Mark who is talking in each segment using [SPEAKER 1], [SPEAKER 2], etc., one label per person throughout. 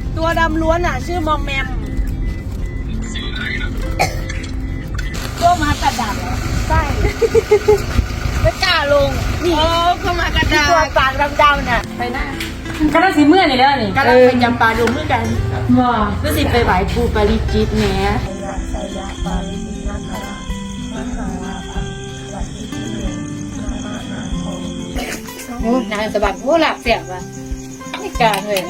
[SPEAKER 1] ตัวดำล้วนอ่ะชื่อมอมแมมตัวมากระดาษใช่ไม่กล้าลงนี่เข้ามากระดาษตัวปากดำๆน่ะไปหน้า
[SPEAKER 2] ก็ต้องสีเมื่อนี่แล้วนี่
[SPEAKER 1] ก็ต้องไปจำปาดงด้วยกัน
[SPEAKER 2] ว้า
[SPEAKER 1] ก็สิไปไหว้ครูปาริจิตแหน่
[SPEAKER 2] โอ้นางสะบัดโอ้หลับเสียบว่ะไม่กล้าเลย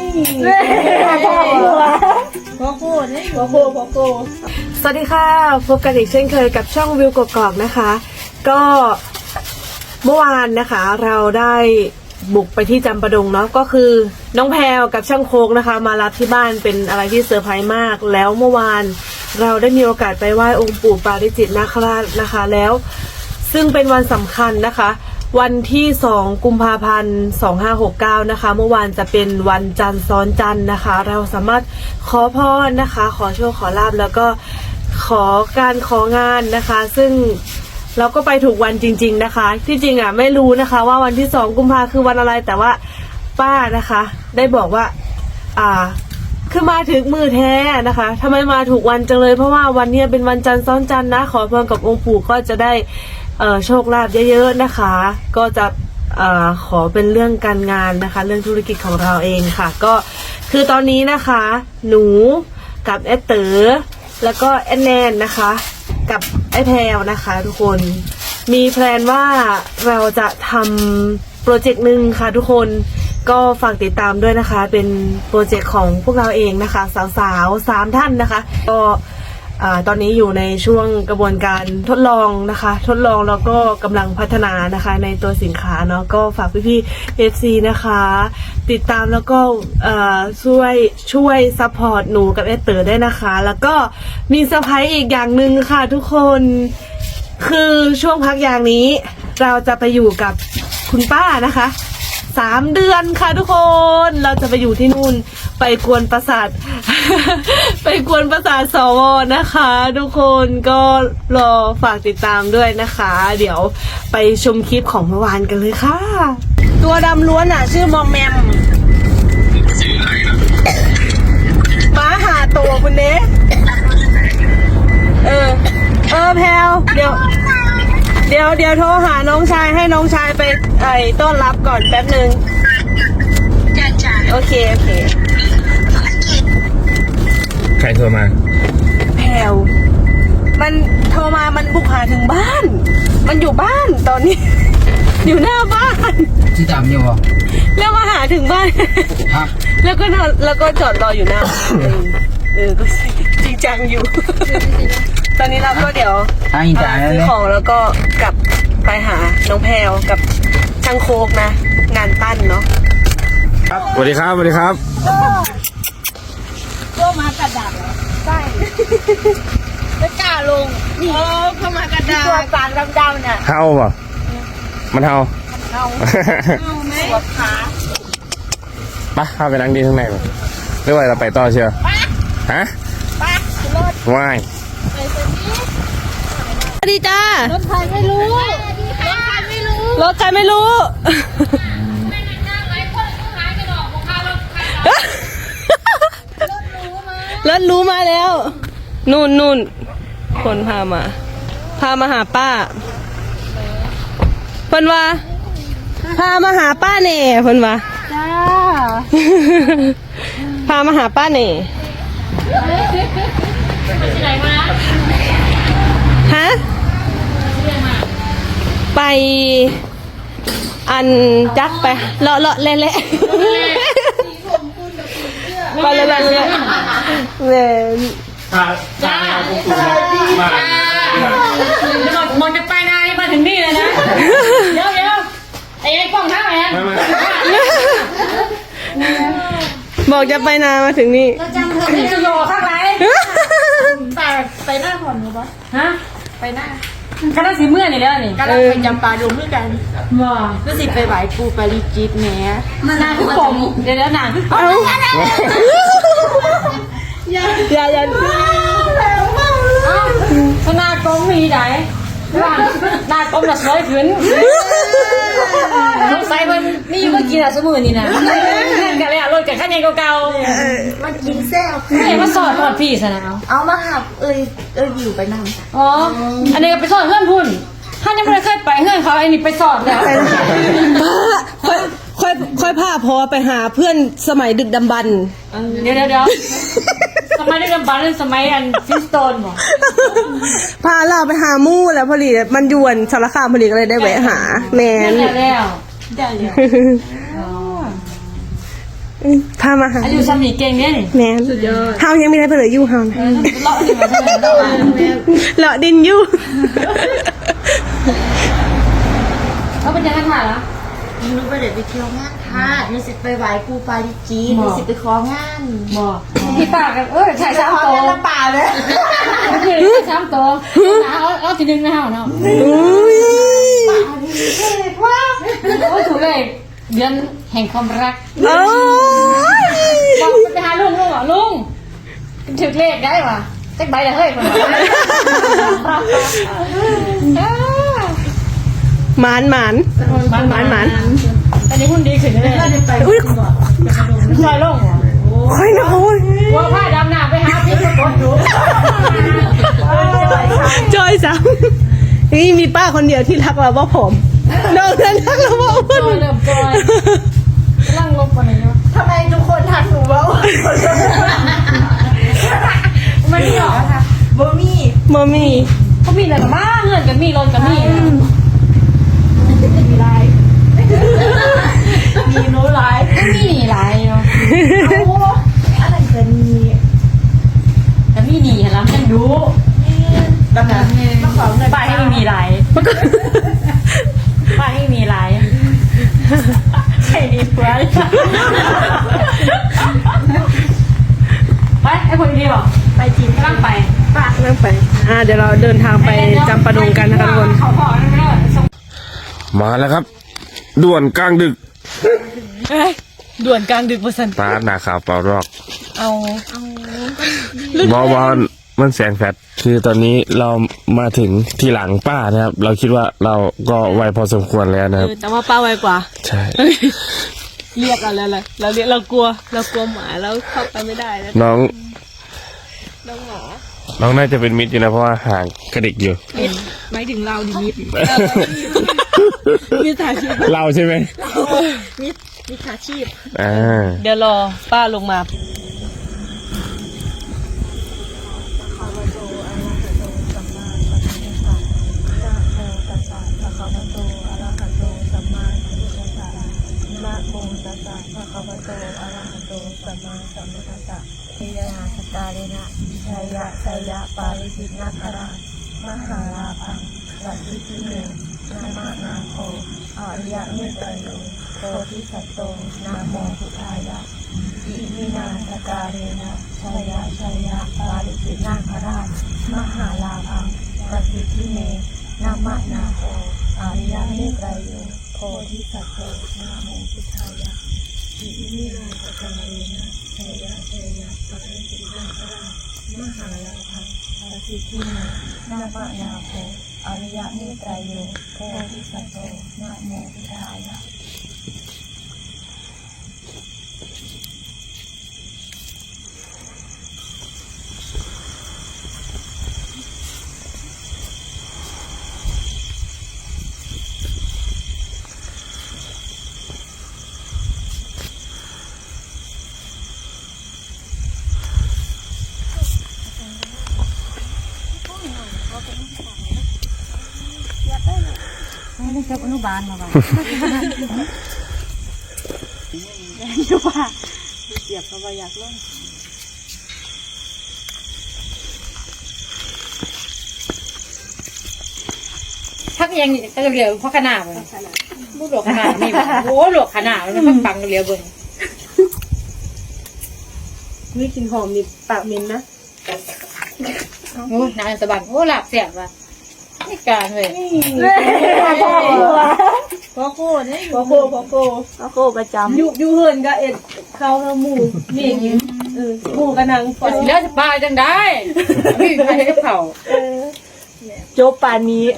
[SPEAKER 1] พ่อโคนี่พ่อโค
[SPEAKER 3] สวัสดีค่ะพบกันอีกเช่นเคยกับช่องวิวกกอกนะคะ ก็เมื่อวานนะคะเราได้บุกไปที่จำปาดงเนาะก็คือน้องแพรวกับช่างโคกนะคะมารับที่บ้านเป็นอะไรที่เซอร์ไพรส์มากแล้วเมื่อวานเราได้มีโอกาสไปไหว้องค์ปู่ปาริจิตนาคราชนะคะแล้วซึ่งเป็นวันสำคัญนะคะวันที่2 กุมภาพันธ์ 2569นะคะเมื่อวานจะเป็นวันจันทร์ซ้อนจันทร์นะคะเราสามารถขอพรนะคะขอโชคขอลาภแล้วก็ของานนะคะซึ่งเราก็ไปถูกวันจริงๆนะคะที่จริงอ่ะไม่รู้นะคะว่าวันที่2 กุมภาคือวันอะไรแต่ว่าป้านะคะได้บอกว่าคือมาถึงมือแท้นะคะทำไมมาถูกวันจังเลยเพราะว่าวันนี้เป็นวันจันทร์ซ้อนจันทร์นะขอพรกับองค์ปู่ก็จะได้โชคลาภเยอะๆนะคะก็จะขอเป็นเรื่องการงานนะคะเรื่องธุรกิจของเราเองค่ะก็คือตอนนี้นะคะหนูกับแอดเต๋อแล้วก็แอดแนนนะคะกับไอ้แพรวนะคะทุกคนมีแพลนว่าเราจะทำโปรเจกต์หนึ่งค่ะทุกคนก็ฝากติดตามด้วยนะคะเป็นโปรเจกต์ของพวกเราเองนะคะสาวๆ3 ท่านนะคะก็ตอนนี้อยู่ในช่วงกระบวนการทดลองนะคะทดลองแล้วก็กำลังพัฒนานะคะในตัวสินค้าเนาะก็ฝากพี่ๆ FC นะคะติดตามแล้วก็ช่วยซัพพอร์ตหนูกับเอสเตอร์ได้นะคะแล้วก็มีเซอร์ไพรส์อีกอย่างหนึ่งค่ะทุกคนคือช่วงพักอย่างนี้เราจะไปอยู่กับคุณป้านะคะ3 เดือนค่ะทุกคนเราจะไปอยู่ที่นู่นไปกวนประสาท ไปกวนประสาทสวนะคะทุกคนก็รอฝากติดตามด้วยนะคะเดี๋ยวไปชมคลิปของเมื่อวานกันเลยค่ะ
[SPEAKER 1] ตัวดำล้วนอ่ะชื่อมอมแมมม้าหาตัวคุณเนสแพลวเดี๋ยวโทรหาน้องชายให้น้องชายไปต้อนรับก่อนแป๊บนึงโอเค
[SPEAKER 4] ใครโทรมา
[SPEAKER 1] แพลวมันโทรมามันบุกหาถึงบ้านมันอยู่บ้านตอนนี้ อยู่หน้าบ้าน
[SPEAKER 4] ที่จำอยู่ป่ะ
[SPEAKER 1] แล้วมาหาถึงบ้านแล้วก็จอดรออยู่หน้าก็จริงจังอยู่ ตอนนี้เราก็เดี๋ยวซื้อของแล้วก็กลับไปหาน้องแพลวกับช่างโคกนะงานปั้นเนาะ
[SPEAKER 4] สวัสดีครับ
[SPEAKER 1] ตัวมากระดาษใช่ไม่กล้าลงนี่เข้ามากระดาษตัวปากดำๆน่ะ
[SPEAKER 4] เฮาป่ะมันเฮา
[SPEAKER 1] ไหมปวดขา
[SPEAKER 4] ปะเข้าไปนั่งดีข้างในป่ะหรือว่าเราไปต่อเชียวฮะว่าย
[SPEAKER 1] สวัสดีจ้ารถใครไม่รู้รถใครไม่รู้รถรู้มาแล้วนู่นคนพามาหาป้าเพิ่นว่าพามาหาป้าเน่เพิ่นว่าจ้าพามาหาป้าเน่ฮะไปอันจักไปเลาะเละไปเละเว้น
[SPEAKER 2] จ้ามันจะไปนานมาถึงนี่เลยนะเดี๋ยวไอ้กล้องท่าแอน
[SPEAKER 1] บอกจะไปนามาถึงนี่
[SPEAKER 2] นี่จะโยข้างไหน
[SPEAKER 1] ไปหน้าผ่อนหรือเปล่า
[SPEAKER 2] ฮะ
[SPEAKER 1] ไปหน้า
[SPEAKER 2] ก็ต้องสีเมื่อนี่แล้วนี่
[SPEAKER 1] ก็ต้องไปจำปาดงด้วยกัน
[SPEAKER 2] ว้า
[SPEAKER 1] ก็สิไปไหว้ครูปาริจิตแหน่
[SPEAKER 2] นางคือผมเดี๋ยวนางคือผมอย่าหน้ากลมมีไหนหน้ากลมน่ะสวยขึ้นสงสัยมันนี่เมื่อกี้น่ะสมือนี่นะกันเลยอ่ะรถกับข้างในเก่า
[SPEAKER 5] มันกินแซ่บ
[SPEAKER 2] ๆไม่เห็นว่าสอดทอดพี่ซะนะเอา
[SPEAKER 5] เอามาหับอยู่ไปนั่ง
[SPEAKER 2] อ๋ออันนี้ก็ไปสอดเพื่อนพุ่นถ้ายังไม่ได้เคยไปเพื่อนเขาไอ้นี่ไปสอดแล้ว
[SPEAKER 1] ค่อยพาพอไปหาเพื่อนสมัยดึกดำบรรพ์
[SPEAKER 2] เดี๋ยวสมัยเด็กบ้านสมัยอันฟิสโตนบ่
[SPEAKER 1] พาเราไปหามู่แล้วพอดีมันยวนสารคามพอดีก็เลยได้แวะหาแมน
[SPEAKER 2] แล้วได้แล้ว
[SPEAKER 1] พามาหา
[SPEAKER 2] อายุสามีเก่งเนี่ยนี่
[SPEAKER 1] แมนเฮายังไม่ได้ไปเลยอยู่เฮานะ
[SPEAKER 2] เลาะดินมาเท่าไหร่เลาะ
[SPEAKER 1] เลาะดินอยู่
[SPEAKER 2] เขาเป็นยังไงถ่ายละ
[SPEAKER 5] หนูไปเดี๋ยวไปเที่ยวงานค่ะหนูสิไปไหว้ครูปาริจีหนูสิไปของาน
[SPEAKER 2] บอกพี่ปากกันถ่าย
[SPEAKER 5] ข
[SPEAKER 2] 3
[SPEAKER 5] อ
[SPEAKER 2] ตัว
[SPEAKER 5] งานละป่าเลย
[SPEAKER 2] คือถ่าย3ตัวเอาทีนึงนะเฮาเนาะ
[SPEAKER 1] อุ้ย
[SPEAKER 2] โอ้ยถูกเลยเดือนแห่งความรัก
[SPEAKER 1] โอ้ย
[SPEAKER 2] บอกไปหาลุงเหรอลุงถือเลขได้ป่ะเจ๊ใบละเฮ้ยคน
[SPEAKER 1] หมาน
[SPEAKER 2] อันนี้หุ่นดีขึ้นเลย
[SPEAKER 1] อุ้ย
[SPEAKER 2] ซอยลงเหรอ
[SPEAKER 1] ค่อยนะโอ้ย
[SPEAKER 2] ว่าผ้าดำน้ำไปหาพี่กดอยู่
[SPEAKER 1] จอยจังนี่มีป้าคนเดียวที่รักเราว่าผมน้องนั้นรักเราว่า
[SPEAKER 2] จอยเริ่มจอยกำลังลบกันเลยเนาะ
[SPEAKER 5] ทำไมทุกคนทักหนูว่า
[SPEAKER 2] มันนี่หรอ
[SPEAKER 5] บ่มี
[SPEAKER 1] มอมี่
[SPEAKER 2] เขามีอะไรกับบ้าเงินกับมีรถกับมี
[SPEAKER 5] มีโน้ไลฟ์
[SPEAKER 2] ก็มีหนีหลายเนาะ
[SPEAKER 5] อันนั้นก็มี
[SPEAKER 2] แต่มีหนีเห็นแล้วมันดู
[SPEAKER 5] แบบนั้นมาขอเงิน
[SPEAKER 2] ป้ายให้มีหลายป้ายให้มีหลายใช่ดีเพื่อนไปไอ้คนดีบอกไปจีนกำลังไป
[SPEAKER 1] นั่งไปเดี๋ยวเราเดินทางไปจำปาดงกันนะคะทุกคน
[SPEAKER 2] เขาพอแล้ว
[SPEAKER 4] มาแล้วครับ ด่วนกลางดึก
[SPEAKER 1] ด่วนกลางดึกประสัน
[SPEAKER 4] ตาหนาขาวเปล่ารอก
[SPEAKER 1] เอา
[SPEAKER 4] บอลมันแสงแฟดคือตอนนี้เรามาถึงที่หลังป้านะครับ เราคิดว่าเราก็ไวพอสมควรแล้วนะครับ
[SPEAKER 1] แต่ว่าป้าไวกว่า
[SPEAKER 4] ใช่
[SPEAKER 1] เรียกเราแล้วแหละเรากลัวหมาแล้วเข้าไปไม่ได้แล้ว
[SPEAKER 4] น้อง
[SPEAKER 1] น้องหมอ
[SPEAKER 4] น้องน่าจะเป็นมิตรอยู่นะเพราะว่าห่างกระดิกอยู่
[SPEAKER 1] ไม่ถึงเราดิมิดมิดอาชีพ
[SPEAKER 4] เราใช่ไหม
[SPEAKER 5] มิจฉาชีพ
[SPEAKER 1] เดี๋ยวรอป้าลงมา
[SPEAKER 5] นิยาสกาเลนะชัยยะชัยยะปาริจิตนาครามหาลาภังสัตติทิเมนามานาโคอาริยะเมตไตรโยโพธิสัตโตนะโมพุทธายะอิมินาสกาเลนะชัยยะชัยยะปาริจิตนาครามหาลาภังสัตติทิเมนามานาโคอาริยะเมตไตรโยโพธิสัตโตนะโมพุทธายะอิมินาสกาเลนะชัยยะชัยยะปาริจิตนาครามหาลาภังสัตติทิเมนามานาโคอริยะเมตไตรโยโพธิสัตโตนะโมพุทธายะ
[SPEAKER 2] ไม่ได้เก็บอนุบาลมาบ้างพักยังก็เรียวเพราะขนาดเลยพูดหลวกขนาดนี่โอ้หลวกขนาดมันพักบังเรียวเบิ่ง
[SPEAKER 1] นี่กินหอมนี่ปากเหม็นนะ
[SPEAKER 2] โอ้นานสะบัดโอ้หลับเสียบว่ะนี่การเลย
[SPEAKER 5] พ่อโคเนี่ย
[SPEAKER 1] พอโคประจำ
[SPEAKER 5] อยู่เฮินก็เอ็ดเข้าหมู่
[SPEAKER 2] นี่
[SPEAKER 1] หมูกระนังปล่อย
[SPEAKER 2] แล้วจะปลาจังได้ไม่มีใครกับเขา
[SPEAKER 1] โจบป่านนี้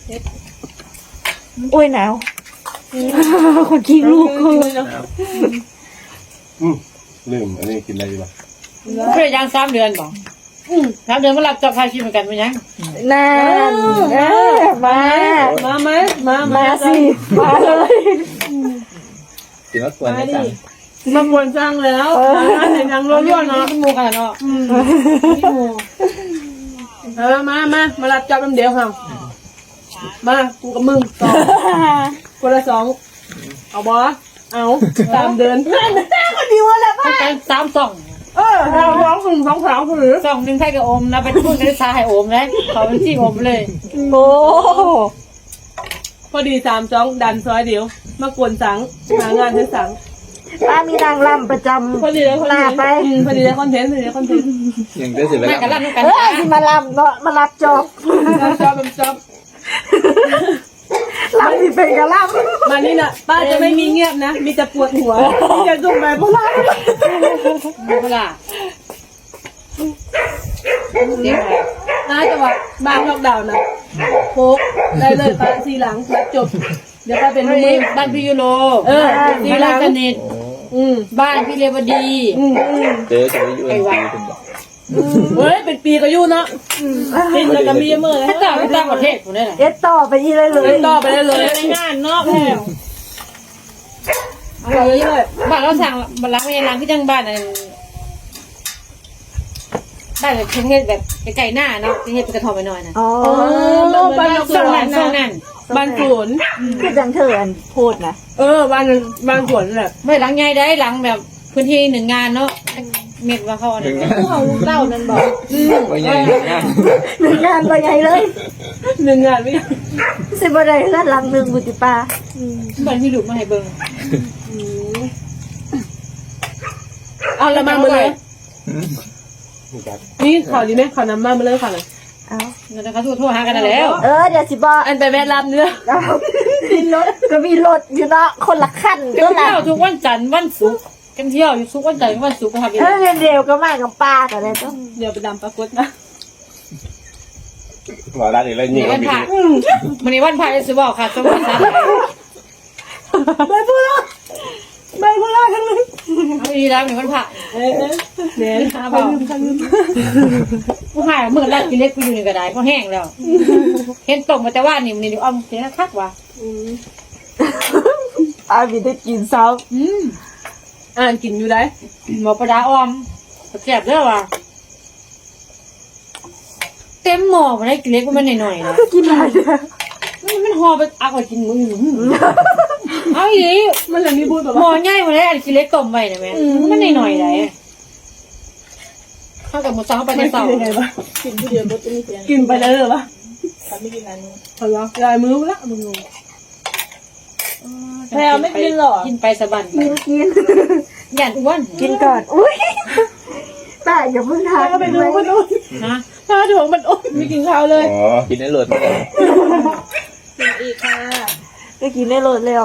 [SPEAKER 5] โอ้ยหนาวคนขี้ลูก
[SPEAKER 4] ลืมอันนี้กินอะไรดีวะ
[SPEAKER 2] เพื่อย่าง3 เดือนบอก3 เดือนก็รับจอบทายชีพเหมือนกันเป็นยัง
[SPEAKER 5] นั่นมาสิมาเลย
[SPEAKER 6] กินแล้วควรได้จัง
[SPEAKER 1] มาบวนสร้างแล้วเห็นยังรั่วๆเนาะ
[SPEAKER 2] หมูกันเนาะ
[SPEAKER 1] มารับจับน้ำเดียวค่ะมากูกับมึงต่อคนละ2เอาบอเอา3 เดือน
[SPEAKER 2] ต้องการ3 2
[SPEAKER 1] ร้อง2 3หรือ
[SPEAKER 2] 2 1ให้กับโอมนะเป็นพูดในซาให้โอมนะเขาเป็นที่โอมเลย
[SPEAKER 5] โอ้
[SPEAKER 1] พอดี3 2ดันซอยเดียวมากวนสังหางานให้สัง
[SPEAKER 5] ป้ามีนางรำประจำ
[SPEAKER 1] พอดีเลยคอนเทนต์พอดีเลยคอนเทนต์
[SPEAKER 6] ยังได้สิไป
[SPEAKER 2] แม่กัน
[SPEAKER 6] แล้
[SPEAKER 2] ลั่
[SPEAKER 6] วน
[SPEAKER 2] กัน
[SPEAKER 5] ที่มาลำเนาะมารับจอบ
[SPEAKER 1] จอบ
[SPEAKER 5] ลำที่เป็นกะล
[SPEAKER 1] มานี่น่ะป้าจะไม่มีเงียบนะมีแต่ปวดหัวอย่าส่งไปเพราะว่า
[SPEAKER 2] เวลา
[SPEAKER 1] น่าจะว่าบางล็อกดาวน์นะโฟกได้เลยป้าทีหลังแล้วจบเดี๋ยวป้าเป็นมือ
[SPEAKER 2] บ้านพี่ยูโร
[SPEAKER 1] ที
[SPEAKER 2] บ้าน
[SPEAKER 1] หลัง
[SPEAKER 2] สนิทบ้านพี่เรวดี
[SPEAKER 6] เจอจะไปอยู่ในปีคุณบอก
[SPEAKER 1] เฮ้ยเป็นปีก็อยู่เนาะกินแล้วก็มีมือ
[SPEAKER 2] ถ้าต่างต่างประเทศผมได้ไหน
[SPEAKER 5] ำเอ็ดต่อไปอีเลยเลย
[SPEAKER 1] ต่อไปได้เลย
[SPEAKER 2] ในงานเนาะแพง
[SPEAKER 1] เอาเลยเลย
[SPEAKER 2] บ้านเราสั่งบ้านล้างไม่ยังล้างที่จังบ้านอะไรบ้านแบบประเทศแบบไก่หน้าเนาะประเทศเป็นกระทอมไปหน่อยนะ
[SPEAKER 5] อ๋อ
[SPEAKER 1] บ้านส
[SPEAKER 2] ช่วง
[SPEAKER 1] ว
[SPEAKER 2] นั้น นช่วงนั้น
[SPEAKER 1] บ้านสวน
[SPEAKER 5] คือจังเถินพูดนะ
[SPEAKER 1] บ้านสวนแหละ
[SPEAKER 2] ไม่หลังใหญ่ได้หลังแบบพื้นที่1 งานเนาะเม็ดว่าเขาอะไร
[SPEAKER 6] ถึงงาน
[SPEAKER 1] เต้านั่นบอก
[SPEAKER 6] ว่าใหญ่งาน
[SPEAKER 5] หนึ่งงานไปใหญ่เลย
[SPEAKER 1] 1 งานไม่
[SPEAKER 5] สิบอะไรก็หลังหนึ่งบุติปา
[SPEAKER 2] บ้านพี่หลุดมาให้เบิ่ง
[SPEAKER 1] เอาละมาเลยนี่ข่าวดีไหมข่าวน้ำมาเลยค่ะเลย
[SPEAKER 5] เอา
[SPEAKER 2] เงินเขาทั่วหากันแล้ว
[SPEAKER 5] เดี๋ยวสิบอก
[SPEAKER 1] อันไปแวะรับเนื้อ
[SPEAKER 5] มีรถก็มีรถอยู่เนาะคนละขั้น
[SPEAKER 2] กัน
[SPEAKER 5] ก็ละ
[SPEAKER 2] เที่ยวทุกวันจันทร์วันศุกร์กันเที่ยวอยู่ทุกวันจันทร์วันศุกร์ก็ทำอยู่
[SPEAKER 5] เร็วก็มากับป้ากันเลยต้อง
[SPEAKER 1] เดี๋ยวไปดำปรากฏนะ
[SPEAKER 6] หัวร้านอีกแล้วนี่
[SPEAKER 2] วันพระวันนี้วันพระจะบอกค่ะสวัสดี
[SPEAKER 1] ไปพูดละทั้งนั้น
[SPEAKER 2] เอาดีแล้วมีวันพระ
[SPEAKER 1] เนี่ย
[SPEAKER 2] หาเบาผู้หายเมื่อแรกกินเล็กกูอยู่ในกระไดเพราะแห้งแล้วเห็นตกมาแต่ว่านี่มันนี่อ้อมเสียคักว่ะ
[SPEAKER 5] อาบิได้กินซ้
[SPEAKER 1] อ่านกินอยู่ได้
[SPEAKER 2] หมอประดาอ้อมแซ่บเด้อว่ะเต็มหม้อมาได้กินเล็กมันหน่อยๆนะ
[SPEAKER 5] ำกินอะไรเนี่ย
[SPEAKER 2] มันห่อไปเอาไปกินมือเอาอี
[SPEAKER 1] มันเลยมีพูดแบบ
[SPEAKER 2] หม้อ
[SPEAKER 1] ว่า
[SPEAKER 2] ใหญ่มาได้อันกินเล็กต้มไว้นะแม่มันหน่อยๆได้เข้ากับหมูสังเข้าไปใน
[SPEAKER 1] ไม่
[SPEAKER 2] เสา
[SPEAKER 1] กินยังไงวะกินผู้เดียวจะไม่เสียกินไปแล้วเหรอวะไม่กินอันนี้พอแล้วลายมือละมึงงแพรไม่กินหรอ
[SPEAKER 2] กินไปสะบัน
[SPEAKER 5] กิน
[SPEAKER 2] หยันอ้วน
[SPEAKER 5] กินก่อนอุ้ยป้าอย่าเพิ่งทาน
[SPEAKER 1] ไปดูมันโอ้
[SPEAKER 2] นะ
[SPEAKER 1] ถ้าถ่วงมันโอ้ไม่กินข้าวเลย
[SPEAKER 6] อ๋อกินได้หลดเลย
[SPEAKER 1] อีกค่ะ
[SPEAKER 5] ก็กินได้รถเร็ว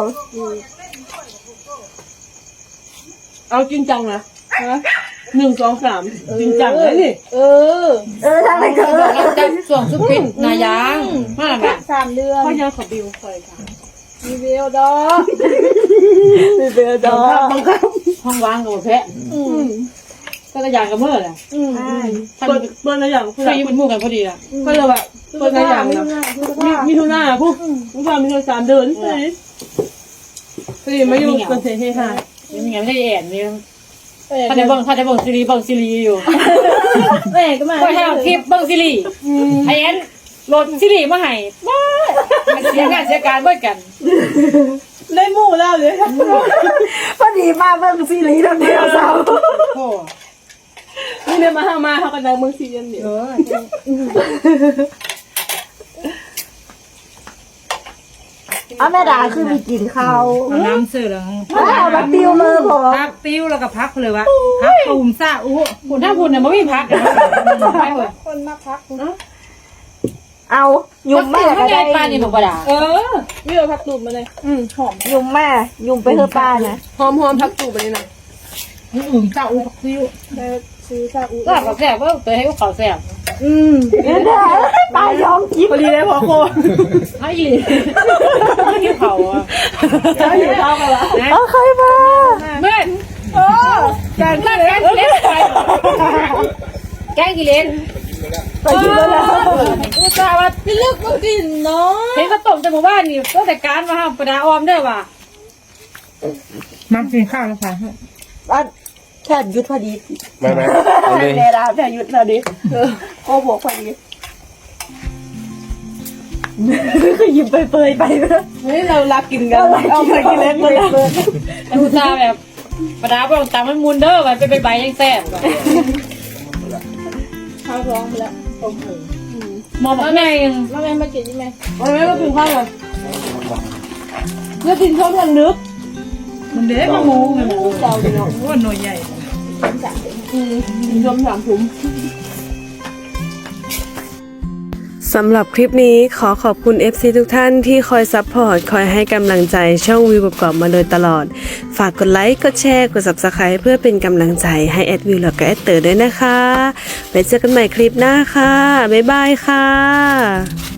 [SPEAKER 1] เอาจริงจังนะ1 2 3จริงจังเลยนี่
[SPEAKER 5] ทางไหนก็
[SPEAKER 2] เราจะส่วงสุกินนายางมาแบบ
[SPEAKER 5] 3 เดือน
[SPEAKER 1] พ่อยังขอบิวคอยค่ะ
[SPEAKER 5] มีเบลดอมีเบลดอ
[SPEAKER 1] บังคับ
[SPEAKER 2] ห้องว่างกับแพะก็กระยางกับเมื่อแหละท่าน
[SPEAKER 1] เปิดอะไรอย่างเพื่อ
[SPEAKER 2] เคยเป็นหมู่กันพอดีอ่ะ
[SPEAKER 1] ก็เลยแบบเปิดอะไรอย่างนะมีทุน่าผู้ว่ามีทุน3 เดือนพอดีมาอยู่คนเสียเฮฮา
[SPEAKER 2] ยังไงไม่ได้แอนนี่ถ้าได้บังซีรีอยู่
[SPEAKER 1] แม่ก็มา
[SPEAKER 2] ก็ให้คลิปบังซีรีไอแอนโหลดซีรีมาให้บ้าเสียงานเสียการเบิดกัน
[SPEAKER 1] ได้หมู่แล้วเลย
[SPEAKER 5] พอดีมาเบิ่งซีรีส์ตรงเดียวสาว
[SPEAKER 2] โอ้
[SPEAKER 1] นี่เนี่ยมาเขากันดังเมืองซีเรียนเดียว
[SPEAKER 5] เอาแม่ดาคือมีกินข้าว
[SPEAKER 2] น้ำเสือแล้ว
[SPEAKER 5] เอามาติวมือผม
[SPEAKER 2] พักติ้วแล้วก็พักเลยวะพักตูมซ่าอู้หุ่นถ้าหุ่นเนี่ยมันไม่พักไปเถอะ
[SPEAKER 5] เอายุ่มแม่
[SPEAKER 2] ถ้า
[SPEAKER 5] ก็
[SPEAKER 2] ได้
[SPEAKER 5] ได้
[SPEAKER 2] ปลานี่บอกว่าด่า
[SPEAKER 1] นี่เราพักตูบมาเลยหอม
[SPEAKER 5] ยุ่มแม่ยุ่มไปเถอะป้านะ
[SPEAKER 1] หอมพักตูบไปเลยนะ
[SPEAKER 2] ซ่าอู้พักติ้ว
[SPEAKER 1] ซื้อซาอู
[SPEAKER 2] ก็กับแซ่บว่าเตยให้เขาแซ่บ
[SPEAKER 3] ตายยอมกินพอดีเลยพอโค
[SPEAKER 2] ให้อีให้เผาอ่ะ
[SPEAKER 3] จะอยู่เท่ากันละเอาใครมา
[SPEAKER 2] แม่แกงกิเลนแกงกิเลน
[SPEAKER 3] ไปกินแล้วนะ
[SPEAKER 2] อุตส่าห์ว่าพี่เลือกมากินเนาะเห็นเขาต้มแต่หมู่บ้านนี่ก็แต่การมาห้ามประดาออมเด้อว่ะมากินข้าวแล้วค่ะ
[SPEAKER 3] บ้านแค่ยุดพอดี
[SPEAKER 4] ไม่เอาเลย
[SPEAKER 3] เวลาแค่ยุดพอดีโอ้บอกพอดีก็ยิ้มเปยๆไปเฮ้ยเรารักกินกันเอาไปกินเล่นเลย
[SPEAKER 2] อุตส่าห์แบบประดาบอกตามมันมูนเด้อไปใบยังแซ่บว่ะ
[SPEAKER 3] ข้าวร้องแล้ว
[SPEAKER 2] มองแม่ยัง
[SPEAKER 3] แม่มากินใช่ไหมแม่มากินข้าวเลยเนื้อกินข้าวทางนึก
[SPEAKER 2] มันเด็กมาหมูไง
[SPEAKER 3] เจ้าเดียว
[SPEAKER 2] ว่าหน่วยใหญ่
[SPEAKER 3] รวม3 ถุงสำหรับคลิปนี้ขอขอบคุณ FC ทุกท่านที่คอยซัพพอร์ตคอยให้กำลังใจช่องวิวประกอบมาโดยตลอดฝากกดไลค์กดแชร์กด Subscribe เพื่อเป็นกำลังใจให้แอดวิวและก็แอดเตอร์ด้วยนะคะไปเจอกันใหม่คลิปหน้าค่ะบ๊ายบายค่ะ